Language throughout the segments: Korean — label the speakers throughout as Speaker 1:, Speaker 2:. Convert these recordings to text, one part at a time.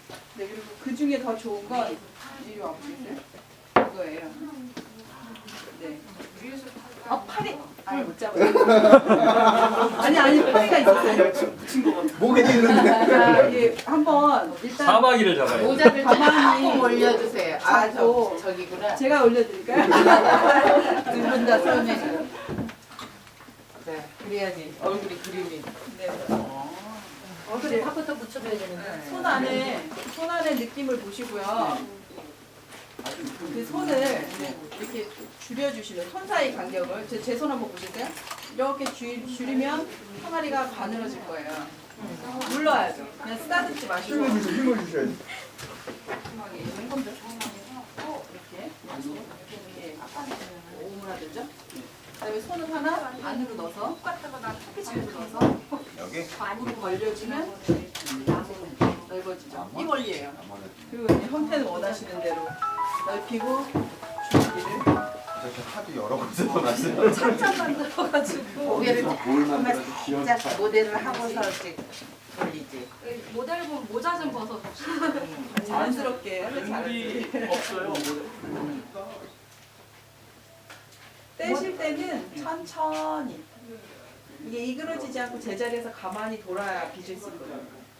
Speaker 1: 네, 그리고 그 중에 더 좋은 건 이리 와보세요. 이거예요. 네. 팔이 못 잡아요. 아니 팔이가 있었어요.
Speaker 2: 목에 있는데.
Speaker 1: 자, 이게 한번 일단
Speaker 3: 사마귀를 잡아요.
Speaker 4: 모자를
Speaker 1: 가만히
Speaker 4: 조금 올려주세요.
Speaker 1: 잡고
Speaker 4: 저기구나.
Speaker 1: 제가 올려드릴까요?
Speaker 4: 두 분 다 손에. 네, 그래야지 얼굴이 그림이.
Speaker 1: 네.
Speaker 5: 얼굴에 팝부터 붙여줘야 되는데.
Speaker 1: 손 안에 느낌을 보시고요. 그 손을 이렇게 줄여주시는 손 사이 간격을 제 손 한번 보실까요? 이렇게 줄이면 항아리가 가늘어질 거예요. 눌러야죠. 그냥 쓰다듬지 마시고
Speaker 2: 힘을 주셔야지.
Speaker 1: 이렇게 오므라들죠. 그다음에 손을 하나 안으로 넣어서 안으로 넣어서
Speaker 2: 여기?
Speaker 1: 안으로 벌려주면 넓어지죠. 이 원리예요. 그리고 이제 형태는 원하시는 대로 넓히고 줄기를
Speaker 2: 저렇게 하도 여러 번 써놨어요.
Speaker 1: 착착 만들어가지고
Speaker 4: 고개를
Speaker 2: 뭘
Speaker 4: 조금만
Speaker 2: 만들어도 귀여운
Speaker 4: 살짝 모델을 하고서 이렇게 돌리지.
Speaker 5: 모델 보면 모자 좀 벗어.
Speaker 1: 자연스럽게 하면 잘하지.
Speaker 3: 없어요.
Speaker 1: 떼실 때는 천천히 이게 이그러지지 않고 제자리에서 가만히 돌아야 빚을 수 있거든요.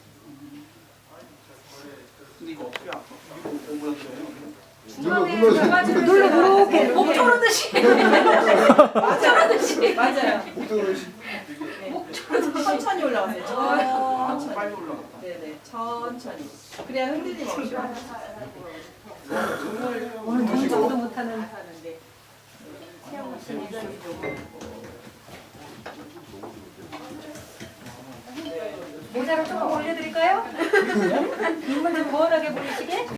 Speaker 5: 중간에
Speaker 2: 눌러.
Speaker 5: 가가지고 이렇게 목 조르듯이. 목 조르듯이.
Speaker 1: 맞아요.
Speaker 2: 목도르시.
Speaker 1: 천천히 올라가세요. 천천히. 빨리 올라가. 네네. 천천히. 그래야 흔들림 없이
Speaker 5: 오늘 동작도 못하는.
Speaker 1: 하는데.
Speaker 5: 모자를 조금 올려드릴까요? 눈물 좀 거울하게 보이시게?